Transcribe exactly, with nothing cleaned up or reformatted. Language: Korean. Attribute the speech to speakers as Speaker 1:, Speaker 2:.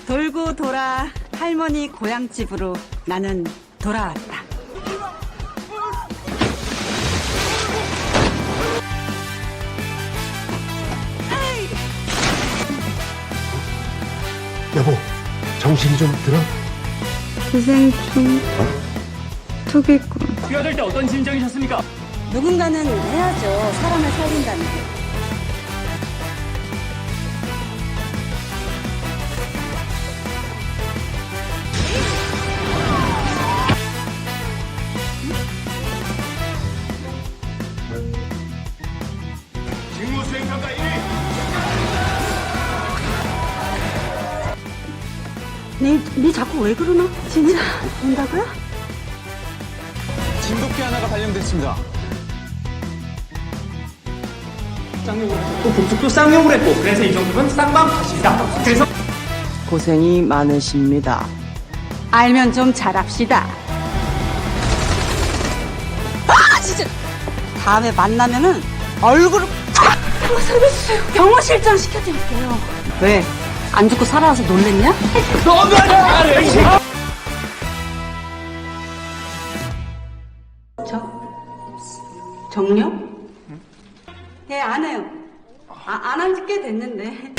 Speaker 1: 돌고 돌아 할머니 고향집으로 나는 돌아왔다.
Speaker 2: 여보, 정신 좀 들어?
Speaker 3: 기생충 투기꾼.
Speaker 4: 뛰어들 때 어떤 심정이셨습니까?
Speaker 1: 누군가는 해야죠. 사람을 살린다는 게.
Speaker 4: 직무수행평가 일 위
Speaker 1: 네, 네 자꾸 왜 그러나? 진짜 온다고요?
Speaker 4: 진돗개 하나가 발령됐습니다. 쌍욕을 했고 북쪽도 쌍욕을 했고 그래서 이 정도면 쌍방 탓이다. 그래서
Speaker 5: 고생이 많으십니다.
Speaker 1: 알면 좀 잘합시다. 아, 진짜! 다음에 만나면은 얼굴을 팍! 한번 살려주세요. 병원 실장 시켜드릴게요. 왜? 안 죽고 살아와서 놀랬냐? 저? 정령? 예, 안 해요. 아, 안 한 지 꽤 됐는데.